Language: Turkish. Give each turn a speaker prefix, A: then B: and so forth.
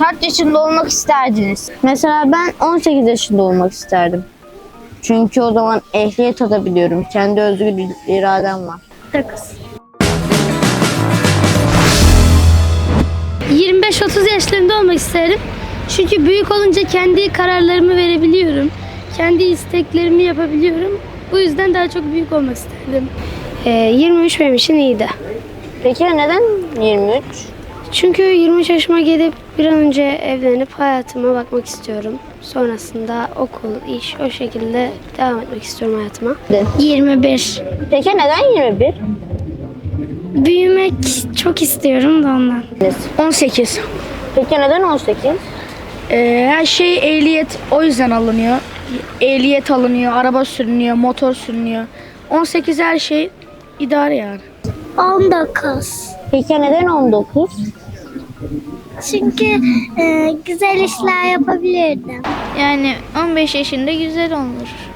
A: Kaç yaşında olmak isterdiniz? Mesela ben 18 yaşında olmak isterdim. Çünkü o zaman ehliyet alabiliyorum. Kendi özgür iradem var.
B: 9. 25-30 yaşlarında olmak isterim. Çünkü büyük olunca kendi kararlarımı verebiliyorum. Kendi isteklerimi yapabiliyorum. Bu yüzden daha çok büyük olmak isterdim. 23 benim için iyiydi.
A: Peki neden 23?
B: Çünkü 23 yaşıma gelip bir an önce evlenip hayatıma bakmak istiyorum. Sonrasında okul, iş o şekilde devam etmek istiyorum hayatıma. 21.
A: Peki neden 21?
B: Büyümek çok istiyorum da ondan.
C: 18.
A: Peki neden 18?
C: Her şey ehliyet o yüzden alınıyor. Ehliyet alınıyor, araba sürünüyor, motor sürünüyor. 18 her şey idare yani.
B: 19.
A: Peki neden 19?
B: Çünkü güzel işler yapabilirdim.
D: Yani 15 yaşında güzel olur.